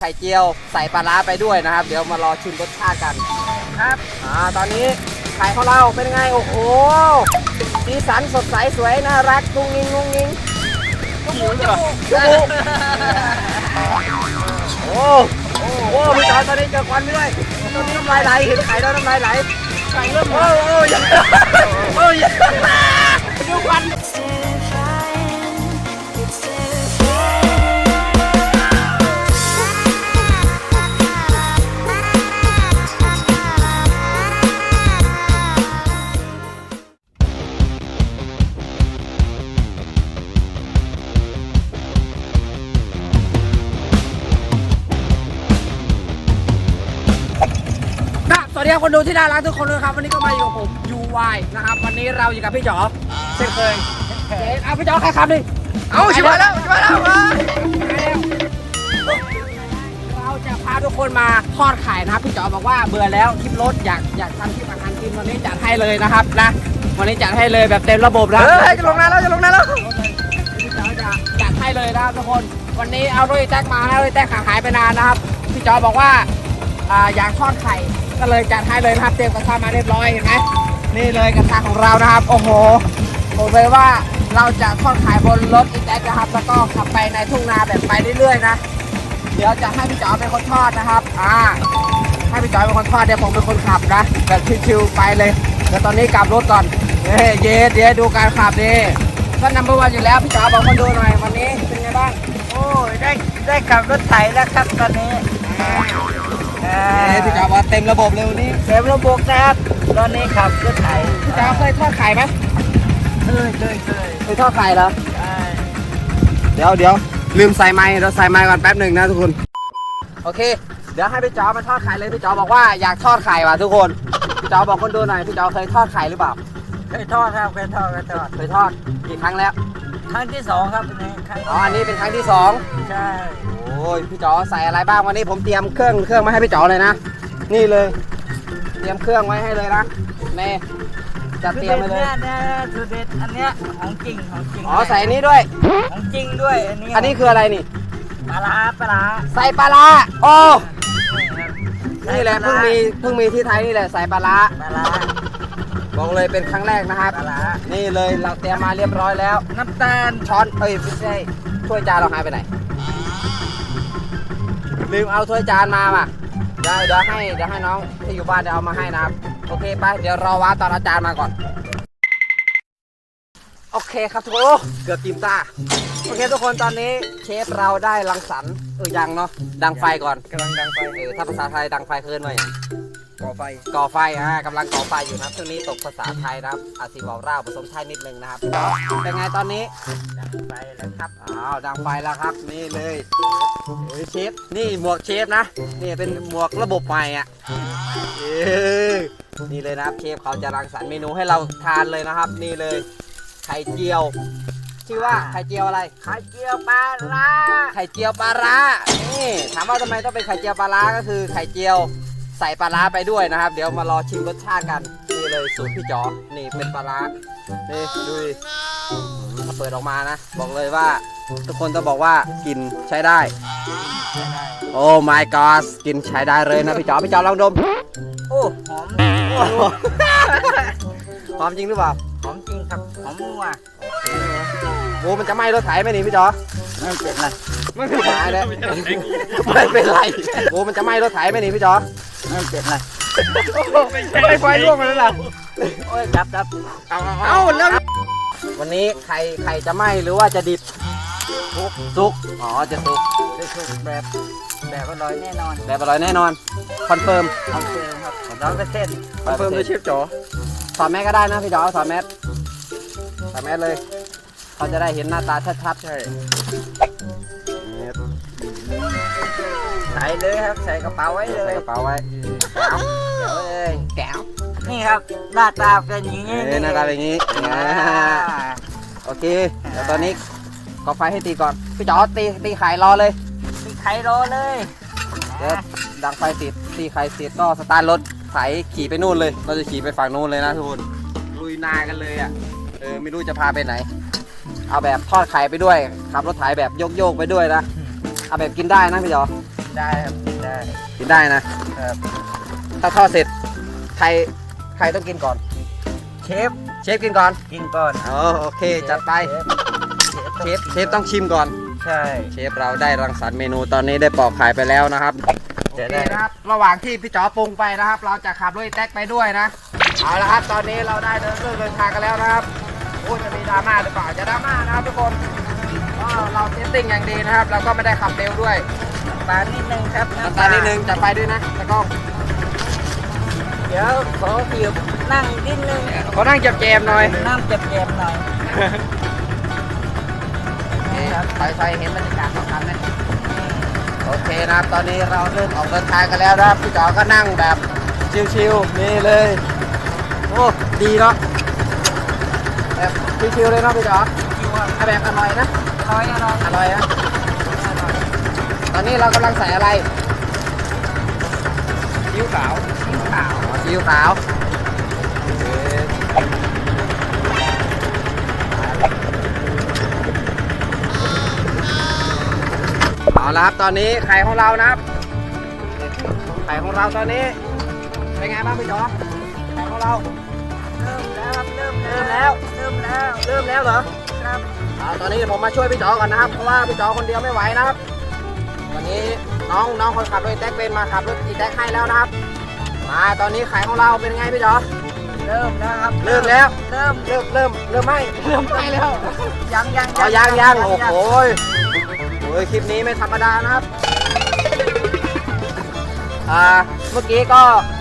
ไข่เจียวใส่ปลาร้าไปด้วยนะครับเดี๋ยวมารอชิมรสชาติกันครับตอนนี้ไข่ของเราเป็นไงโอ้โหสีสันสดใสสวยน่ารักกุ้งงิงกุ้งงิงหิวเลยโอ้โหพี่จอยตอนนี้เจอควันด้วยตอนนี้น้ำลายไหลเห็นไข่แล้วน้ำลายไหลไข่เริ่มโอ้ยดูควันสวัสดีครับคนดูที่น่ารักทุกคนเลยครับวันนี้ก็มาอยู่กับผม UY นะครับวันนี้เราอยู่กับพี่จ๋อเช่นเคยเอาพี่จ๋อใครขับดิเอาชิบหายแล้วเราจะพาทุกคนมาทอดไข่นะครับพี่จ๋อบอกว่าเบื่อแล้วคลิปรถอยากทำคลิปอาหารกินวันนี้จัดให้เลยนะครับนะวันนี้จัดให้เลยแบบเต็มระบบนะจะลงน้ำแล้วพี่จ๋อจะจัดให้เลยนะครับทุกคนวันนี้เอาด้วยแจ็คมานะด้วยแจ็คหายไปนานนะครับพี่จ๋อบอกว่าอยากทอดไข่ก็เลยจัดให้เลยนะครับเตรียมกระทะมาเรียบร้อยเห็นไหมนี่เลยกระทะของเรานะครับโอ้โหผมเลยว่าเราจะทอดไข่บนรถอีแท็กนะครับแล้วก็ขับไปในทุ่งนาแบบไปเรื่อยๆนะเดี๋ยวจะให้พี่จ๋อเป็นคนทอดนะครับให้พี่จ๋อเป็นคนทอดเดี๋ยวผมเป็นคนขับนะแบบชิวๆไปเลยเดี๋ยวตอนนี้กลับรถก่อนเดี๋ยวดูการขับดิก็นัมเบอร์วันอยู่แล้วพี่จ๋อบอกคนดูหน่อยวันนี้เป็นไงบ้างโอ้ยได้ขับรถไถแล้วครับตอนนี้พี่จ๋อว่าเต็มระบบเลยวันนี้เต็มระบบนะครับตอนนี้ขับรถไถพี่จ๋อเคยทอดไข่ไหมเคยทอดไข่เหรอใช่เดี๋ยวลืมใส่ไม้เราใส่ไม้ก่อนแป๊บหนึ่งนะทุกคนโอเคเดี๋ยวให้พี่จ๋อมาทอดไข่เลยพี่จ๋อบอกว่าอยากทอดไข่ว่ะทุกคนพี่จ๋อบอกคนดูหน่อยพี่จ๋อเคยทอดไข่หรือเปล่าเคยทอดครับเคยทอดกี่ครั้งแล้วครั้งที่2ครับนี่อันนี้เป็นครั้งที่2 ใช่โอ้ยพี่จ๋อใส่อะไรบ้างวันนี้ผมเตรียมเครื่องมาให้พี่จ๋อเลยนะนี่เลยเตรียมเครื่องไว้ให้เลยนะเน่จะเตรียมไปเลยเนี่ยสูตรเด็ดอันเนี้ยของจริงใส่นี้ด้วยของจริงด้วยอันนี้คืออะไรนี่ปลาร้าใส่ปลาร้าโอ้นี่แหละเพิ่งมีที่ไทยนี่แหละใส่ปลาร้าบอกเลยเป็นครั้งแรกนะครับนี่เลยเราเตรียมมาเรียบร้อยแล้วน้ำตาลช้อนไม่ใช่ถ้วยจานเราหายไปไหนลืมเอาถ้วยจานมาเดี๋ยวให้น้องที่อยู่บ้านเดี๋ยวเอามาให้นะครับโอเคไปเดี๋ยวรอว้าตอนอาจารย์มาก่อนโอเคครับทุกคนเกือบจิ้มตาโอเคทุกคนตอนนี้เชฟเราได้รังสรรค์ยังเนาะดังไฟก่อนกำลังดังไฟถ้าภาษาไทยดังไฟคืนว่าอย่างก่อไฟกำลังก่อไฟอยู่นะช่วงนี้ตกภาษาไทยนะครับอาซีบอกร่าผสมไทยนิดนึงนะครับเป็นไงตอนนี้ดังไฟแล้วครับดังไฟแล้วครับนี่เลยเชฟนี่หมวกเชฟนะนี่เป็นหมวกระบบใหม่นี่เลยนะครับเชฟเขาจะรังสรรค์เมนูให้เราทานเลยนะครับนี่เลยไข่เจียวชื่อว่าไข่เจียวอะไรไข่เจียวปลาร้านี่ถามว่าทำไมต้องเป็นไข่เจียวปลาร้าก็คือไข่เจียวใส่ปลาร้าไปด้วยนะครับเดี๋ยวมารอชิมรสชาติกันนี่เลยสูตรพี่จ๋อนี่เป็นปลาร้านี่ดูดิถ้าเปิดออกมานะบอกเลยว่าทุกคนต้องบอกว่ากินใช้ได้โอ้ my god กินใช้ได้เลยนะพี่จ๋อลองดมโอ้หอมหอมจริงหรือเปล่าหอมจริงครับหอมมัวโอ้มันจะไหม้รถไถไหมนี่พี่จ๋อไม่เป็นไรไม่เป็นไรเลยไม่เป็นไรโอ้มันจะไหม้รถไถไหมนี่พี่จ๋อไม่เป็นไรไม่ไฟร่วงมาแล้วล่ะโอ้ยจับเอาแล้ววันนี้ไข่จะไหม้หรือว่าจะดิบสุกจะสุกแบบอร่อยแน่นอนคอนเฟิร์มครับ100% คอนเฟิร์มโดยเชฟจ๋อถอดแมสก็ได้นะพี่จ๋อถอดแมสเลยเขาจะได้เห็นหน้าตาชัดๆใช่ใส่เลยครับใส่กระเป๋าไว้เลยแก้วนี่ครับหน้าตาเป็นอย่างนี้หน้าตาเป็นอย่างนี้โอเคเดี๋ยวตอนนี้ก่อไฟให้ตีก่อนพี่จ๋อตีไข่รอเลยเดี๋ยวดังไฟติดตีไข่เสร็จก็สตาร์ทรถไถขี่ไปนู่นเลยเราจะขี่ไปฝั่งนู่นเลยนะทุกคนลุยนากันเลยไม่รู้จะพาไปไหนเอาแบบทอดไข่ไปด้วยขับรถไถแบบโยกไปด้วยนะเอาแบบกินได้นะพี่จ๋อได้ครับกินได้กินได้นะครับ ถ้าทอดเสร็จใครต้องกินก่อนเชฟเชฟกินก่อนกินก่อนอ๋อโอเคจัดไปเชฟต้องชิมก่อนใช่เชฟเราได้รังสรรค์เมนูตอนนี้ได้ปอกขายไปแล้วนะครับจะโอเคได้นะครับ ระหว่างที่พี่จ๋อปรุงไปนะครับ เราจะขับรถอีแท็กไปด้วยนะ เอาละครับ ตอนนี้เราได้เดินทางกันแล้วนะครับโอ้จะมีดราม่าหรือเปล่าจะดราม่านะครับทุกคนก็เราเทสติ้งอย่างดีนะครับ เราก็ไม่ได้ขับเร็วด้วยปลานิดนึงครับน้ำตาลนิดนึงจัดไปด้วยนะตะกล้องเดี๋ยวขอเกี่ยวนั่งนิดนึงเขานั่งจับแจมหน่อยนั่งเจ็บๆหน่อยนี่ครับไฟเห็นบรรยากาศสำคัญไหมโอเคนะครับ ตอนนี้เราเริ่มออกเดินทางกันแล้วนะครับ พี่จ๋อก็นั่งแบบชิวๆนี่เลย โอ้ดีเนาะแบบชิวๆเลยเนาะพี่จ๋อเอาแบบอร่อยนะอร่อยอร่อยอร่อยนะตอนนี้เรากำลังใส่อะไรซีอิ๊วขาวซีอิ๊วขาวซีอิ๊วขาวเอาละครับตอนนี้ไข่ของเรานะครับไข่ของเราตอนนี้เป็นไงบ้างพี่จ๋อไข่ของเราเริ่มแล้วครับเริ่มเริ่มแล้วเริ่มแล้วเริ่มแล้วเหรอครับตอนนี้ผมมาช่วยพี่จ๋อก่อนนะครับเพราะว่าพี่จ๋อคนเดียวไม่ไหวนะครับวันนี้น้องคนขับรถอีแท็กเป็นมาขับรถอีแท็กให้แล้วนะครับมาตอนนี้ไข่ของเราเป็นไงพี่จ๋อเริ่มแล้วครับเริ่มแล้วเริ่มเริ่มไหมแล้วยังอ๋อยังโอ้โหโอ้ยคลิปนี้ไม่ธรรมดานะครับเมื่อกี้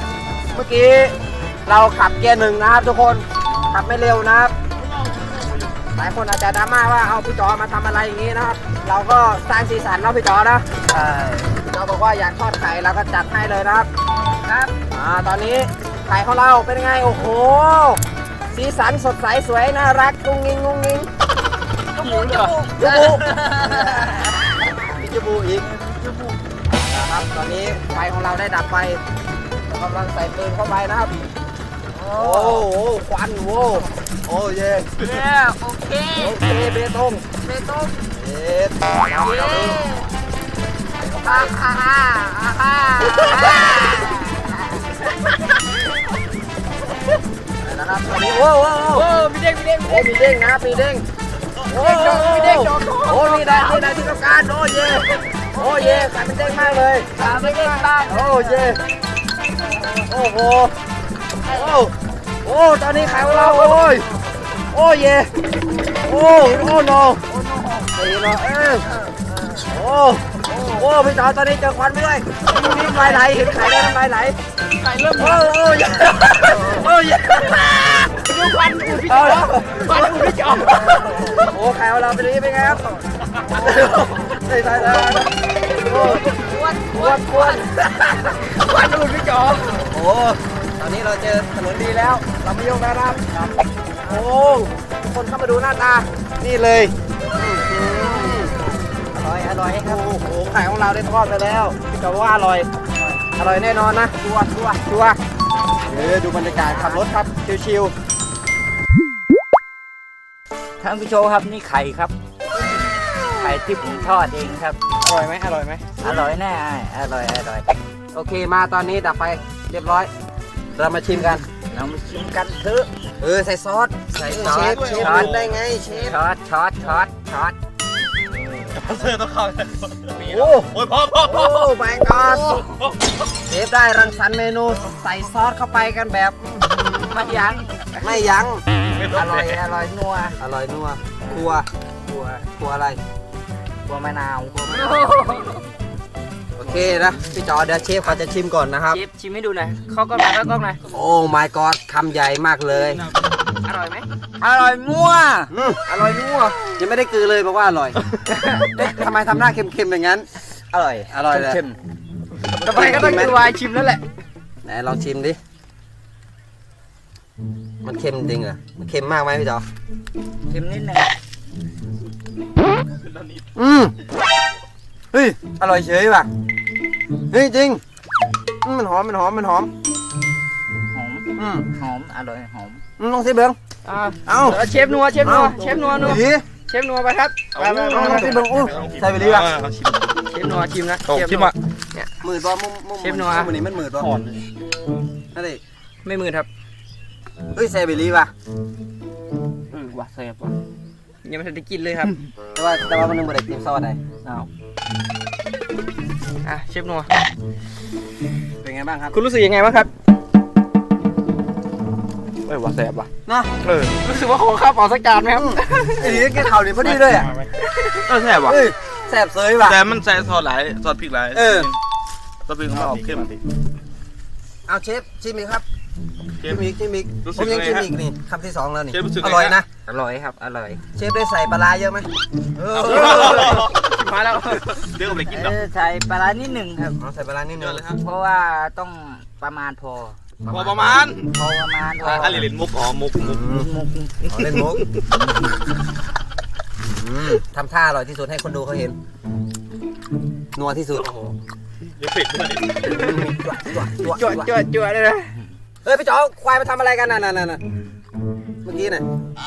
เราขับเกียร์หนึ่งนะครับทุกคนขับไม่เร็วนะครับหลายคนอาจจะดราม่าว่าเอาพี่จ๋อมาทำอะไรอย่างนี้นะครับ เราก็สร้างสีสันเนาะพี่จ๋อนะใช่พี่จ๋อบอกว่าอยากทอดไข่เราก็จัดให้เลยนะครับตอนนี้ไข่ของเราเป็นไงโอ้โหสีสันสดใสสวยน่ารักกุ้งงิงหิวเหรอมีจมูกอีกนะครับตอนนี้ไฟของเราได้ดับไปเรากำลังใส่ปืนเข้าไปนะครับโอ้โหควันโว้โอ้เย่โอเคโอเคเบตงเบตงเย็ดนะครับตอนนี้โอ้มีเด้งนะครับมีเด้งโอ้มีได้ที่ต้องการโอ้เย่กลายเป็นเด้งมากเลยไม่ได้บ้างโอ้เย่โอ้โหโอ้ตอนนี้ขายของเราโอ้เย่โอ้โนตีเนาะโอ้พี่จ๋อตอนนี้เจอควันไปด้วยน้ำลายไหลเห็นไข่แล้วน้ำลายไหลไข่เริ่มโอ้เย่ดูควันอูพี่จ๋อโอ้ไข่ของเราเป็นนี้เป็นไงครับใส่โอ้ควันอูพี่จ๋อโอ้ตอนนี้เราเจอถนนดีแล้วเราไม่ยกแล้วนะครับโอ้คนเข้ามาดูหน้าตานี่เลยอร่อยครับโอ้โหไข่ของเราได้ทอดไปแล้วพี่จ๋อว่าอร่อยแน่นอนนะชัวร์ดูบรรยากาศขับรถครับชิวท่านผู้ชมครับนี่ไข่ครับ ไข่ที่ผมทอดเองครับๆอร่อยไหมอร่อยแน่อร่อยโอเคมาตอนนี้ดับไฟเรียบร้อยเรามาชิมกันเรามาชิมกันเถอะใส่ซอสใส่เชฟช้อนได้ไงเชฟช็อตเสื้อต้องเข้าโอ้โอ้ยพอโอ้แมงกอดเชฟได้รังสรรค์เมนูใส่ซอสเข้าไปกันแบบไม่ยั้งอร่อยนัวอร่อยนัวครัวอะไรตัวมะนาวโอเคนะพี่จอเดี๋ยวเชฟเขาจะชิมก่อนนะครับชิมให้ดูหน่อยเข้ากล้องหน่อยโอ้ my god คำใหญ่มากเลยอร่อยไหมอร่อยมั่วอร่อยนัวยังไม่ได้กลือเลยบอกว่าอร่อย ทำไมทำหน้าเค็มๆอย่างนั้นอร่อยเลยเค็มต่อไปก็ต้องดูวายชิมแล้วแหละไหนลองชิมดิมันเค็มจริงเหรอมันเค็มมากไหมพี่จอเค็มนิดนึงเฮ้ยอร่อยเฉยว่ะเฮ้ยจริงมันหอมหอมหอมอร่อยหอมลองสิเบิ้งเอาเชฟนัวนัวเชฟนัวไปครับไปลองสิเบิ้งใส่ไปดีป่ะเชฟนัวชิมนะชิมอ่ะมืดบ่มุมเชฟนัววันนี้มันมืดบ่อ่อนนั่นดิไม่มือครับเฮ้ยแซบิลี่ป่ะว่าแซ่บว่ะยังไม่ทันได้กินเลยครับแต่ว่ามันนึงบ่ได้กินซอสได้อ้าวอ่ะเชฟนัวเป็นไงบ้างครับคุณรู้สึกยังไงบ้างครับว่าแซ่บว่ะเนาะรู้สึกว่าขอข้าวเปล่าสักจานไหมครับไอ้นี่กินข้าวนี่พอดีเลยอ่ะแซ่บว่ะเฮ้ยแซ่บเสยว่ะแต่มันใส่ซอสหลายซอสพริกหลายเออซอสพริกของมันออกเข้มเอาเชฟชิมอีกครับเชชิฟมอีกชิมอีกรู้สึผกมยังไงชิมฮะอีกนี่คำที่2แล้วนี่เชฟรู้สึกไงอร่อยนะอร่อยครับอร่อยเชฟได้ใส่ปลาร้าเยอะไหมเออมาแล้วเดี๋ยวผมไปกินดอกใส่ปลาร้านิดหนึ่งครับเอาใส่ปลาร้านิดนึเยงอะเลยครับเพราะว่าต้องประมาณพอพอประมาณพอประมาณพออะไรเล่นมุกอ๋อมุกมุกอ๋อเล่นมุกทำท่าอร่อยที่สุดให้คนดูเขาเห็นนัวที่สุดเดี๋ยวเผ็ดด้วยดิจวดเลยนะเฮ้ยพี่จ๋อควายมาทำอะไรกันน่ะเมื่อกี้น่ะ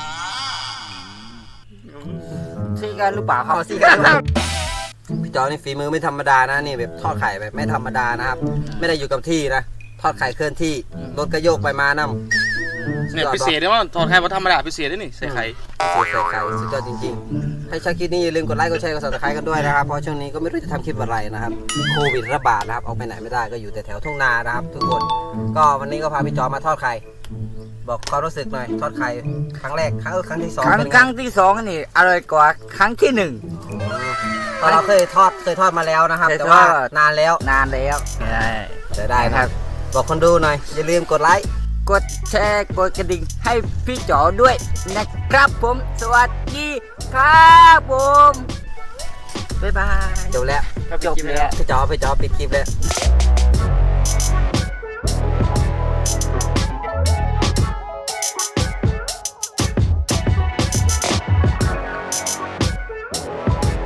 ซีกันหรือเปล่าครับเอาสิกันพี่จ๋อนี่ฝีมือไม่ธรรมดานะนี่แบบทอดไข่แบบไม่ธรรมดานะครับ ไม่ได้อยู่กับที่นะทอดไข่เคลื่อนที่รถก็โยกไปมานํเนี่ยพิเศษเนี่ยว่าทอดไข่ว่าธรรมดาพิเศษด้วยนี่ใส่ไข่ใส่ไข่สุดยอดจริงๆให้ชอบคลิปนี้อย่าลืมกดไลค์กดแชร์กด subscribe กันด้วยนะครับเพราะช่วงนี้ก็ไม่รู้จะทำคลิปอะไรนะครับโควิดระบาดนะครับออกไปไหนไม่ได้ก็อยู่แต่แถวทุ่งนานะครับทุกคนก็วันนี้ก็พาพี่จ๋อมาทอดไข่บอกความรู้สึกหน่อยทอดไข่ครั้งแรกครั้งที่สองครั้งเป็นไงครั้งที่สองนี่อร่อยกว่าครั้งที่หนึ่งตอนเราเคยทอดมาแล้วนะครับเคยแต่ว่าทอดนานแล้วนานแล้วใช่จะได้นะครับบอกคนดูหน่อยอย่าลืมกดไลค์กดแชร์กดกระดิ่งให้พี่จ๋อด้วยนะครับผม สวัสดีครับผมบ๊ายบายจบแล้วจบแล้วพี่จ๋อปิดคลิปแล้ว